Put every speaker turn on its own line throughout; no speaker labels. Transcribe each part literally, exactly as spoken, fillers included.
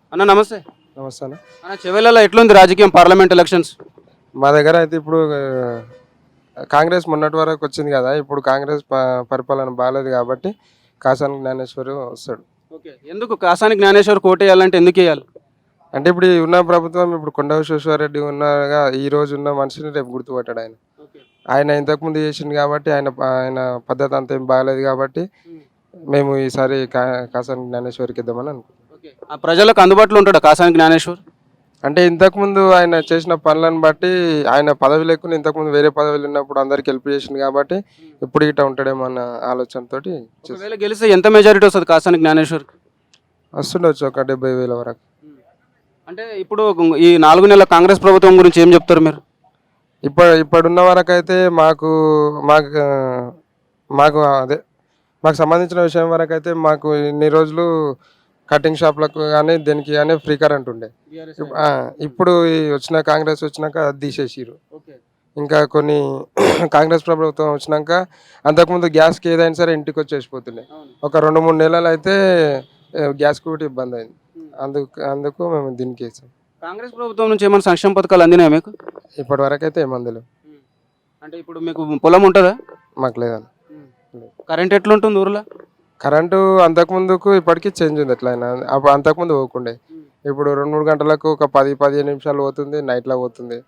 అన్న నమస్తే.
నమస్తే అన్న.
అన్న చెవెళ్ళలో ఎట్లుంది రాజకీయం, పార్లమెంట్ ఎలక్షన్స్?
మా దగ్గర అయితే ఇప్పుడు ఆ, కాంగ్రెస్ మొన్నటి వరకు వచ్చింది కదా, ఇప్పుడు కాంగ్రెస్ ప- పరిపాలన బాగాలేదు కాబట్టి కాసాని జ్ఞానేశ్వరి వస్తాడు.
ఓకే, ఎందుకు కాసాని జ్ఞానేశ్వర్ కోట వేయాలంటే ఎందుకు వేయాలి?
అంటే ఇప్పుడు ఈ ఉన్న ప్రభుత్వం, ఇప్పుడు కొండ విశ్వేశ్వరరెడ్డి ఉన్నగా ఈ రోజు ఉన్న మనిషిని రేపు గుర్తుపట్టాడు ఆయన. ఆయన ఇంతకుముందు చేసింది కాబట్టి ఆయన ప- ఆయన పద్ధతి అంత ఏం బాగాలేదు కాబట్టి మేము ఈసారి కా కాసాని జ్ఞానేశ్వరికి ఇద్దామని అనుకుంటున్నాం.
ఓకే, ఆ ప్రజలకు అందుబాటులో ఉంటాడా కాసాని జ్ఞానేశ్వర్?
అంటే ఇంతకుముందు ఆయన చేసిన పనులను బట్టి ఆయన పదవి లేకుండా ఇంతకుముందు వేరే పదవులు ఉన్నప్పుడు అందరికి హెల్ప్ చేసింది కాబట్టి ఇప్పుడు ఇట్లా ఉంటాడేమో అన్న ఆలోచనతో
ఒకవేళ గెలిస్తే ఎంత మెజారిటీ వస్తుంది కాసాని జ్ఞానేశ్వర్?
వస్తుండొచ్చు ఒక డెబ్బై వేల వరకు.
అంటే ఇప్పుడు ఈ నాలుగు నెలల కాంగ్రెస్ ప్రభుత్వం గురించి ఏం చెప్తారు మీరు?
ఇప్పుడు ఇప్పుడున్న వరకు అయితే మాకు మాకు ఆ, మాకు అదే మాకు సంబంధించిన విషయం వరకు అయితే మాకు ఇన్ని రోజులు కటింగ్ షాప్లకు కానీ దేనికి కానీ ఫ్రీ కరెంట్ ఉండే. ఇప్- ఆ, ఇప్పుడు ఈ వచ్చిన కాంగ్రెస్ వచ్చినాక అది తీసేసిరు. ఇంకా కొన్ని కాంగ్రెస్ ప్రభుత్వం వచ్చినాక అంతకుముందు గ్యాస్కి ఏదైనా సరే ఇంటికి వచ్చేసిపోతుండే. ఒక రెండు మూడు నెలలు అయితే ఆ, గ్యాస్కి కూడా ఇబ్బంది అయింది. అందుకు అందుకు మేము దీనికి వేసాం.
కాంగ్రెస్ ప్రభుత్వం నుంచి ఏమైనా సంక్షేమ పథకాలు అందినాయా మీకు?
ఇప్పటి వరకు అయితే ఏమందులు
అంటే ఇప్పుడు మీకు పొలం ఉంటుందా?
మాకు లేదని.
కరెంట్ ఎట్లుంటుంది ఊర్లో?
కరెంటు అంతకుముందుకు ఇప్పటికీ చేంజ్ ఉంది. ఎట్లయినా అప్పుడు అంతకుముందు పోకుండే, ఇప్పుడు రెండు మూడు గంటలకు ఒక పది పదిహేను నిమిషాలు పోతుంది, నైట్లో పోతుంది.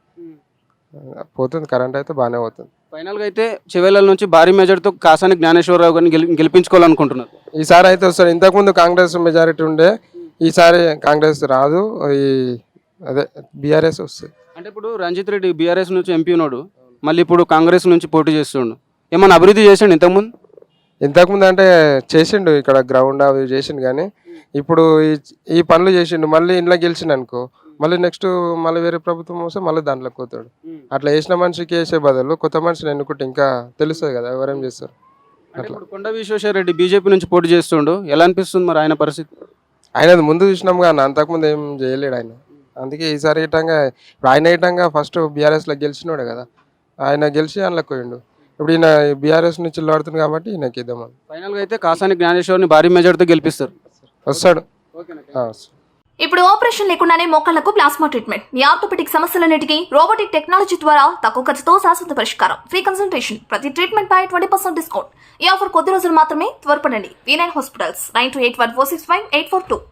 పోతుంది కరెంట్ అయితే బాగానే పోతుంది.
ఫైనల్గా అయితే చివెళ్ళ నుంచి భారీ మెజార్టీతో కాసాని జ్ఞానేశ్వరరావు గారిని గెలి గెలిపించుకోవాలనుకుంటున్నారు.
ఈసారి అయితే వస్తారు. ఇంతకుముందు కాంగ్రెస్ మెజారిటీ ఉండే, ఈసారి కాంగ్రెస్ రాదు, ఈ అదే బీఆర్ఎస్ వస్తుంది.
అంటే ఇప్పుడు రంజిత్ రెడ్డి బీఆర్ఎస్ నుంచి ఎంపీ ఉన్నాడు, మళ్ళీ ఇప్పుడు కాంగ్రెస్ నుంచి పోటీ చేస్తుండు. ఏమన్నా అభివృద్ధి చేసిండు ఇంతకుముందు?
ఇంతకుముందు అంటే చేసిండు, ఇక్కడ గ్రౌండ్ అవి చేసిండు, కానీ ఇప్పుడు ఈ ఈ పనులు చేసిండు. మళ్ళీ ఇంట్లో గెలిచిండు అనుకో, మళ్ళీ నెక్స్ట్ మళ్ళీ వేరే ప్రభుత్వం వస్తే మళ్ళీ దాంట్లోకి పోతాడు. అట్లా వేసిన మనిషికి వేసే బదులు కొత్త మనిషిని ఎన్నుకుంటే ఇంకా తెలుస్తుంది కదా ఎవరేం చేస్తారు.
అంటే ఇప్పుడు కొండ విశ్వేశ్వర రెడ్డి బీజేపీ నుంచి పోటీ చేస్తుండు, ఎలా అనిపిస్తుంది మరి ఆయన పరిస్థితి?
ఆయన ముందు చూసినాం కానీ అంతకుముందు ఏం చేయలేడు ఆయన. అందుకే ఈసారి ఇటంగా ఇప్పుడు ఆయన ఇటంగా ఫస్ట్ బీఆర్ఎస్లో గెలిచినోడే కదా, ఆయన గెలిచి అందులోకి పోయిండు. ఇప్పుడు ఈయన బీఆర్ఎస్ నుంచి చిల్లాడుతుంది కాబట్టి ఈయనకి ఇద్దామని.
ఫైనల్గా అయితే కాసాని జ్ఞానేశ్వర్ని భారీ మెజార్టీతో గెలిపిస్తారు.
వస్తాడు. ఆ, వస్తాడు.
ఇప్పుడు ఆపరేషన్ లేకుండానే మోకాళ్లకు ప్లాస్మా ట్రీట్మెంట్, మీ ఆర్థోపెటిక్ సమస్యలన్నిటికీ రోబోటిక్ టెక్నాలజీ ద్వారా తక్కువ ఖర్చుతో శాశ్వత పరిష్కారం, ఫ్రీ కన్సల్టేషన్, ప్రతి ట్రీట్మెంట్ పై ట్వంటీ పర్సెంట్ డిస్కౌంట్. ఈ ఆఫర్ కొద్ది రోజులు మాత్రమే, త్వరపడండి. V nine hospitals, nine two eight one four six five eight four two.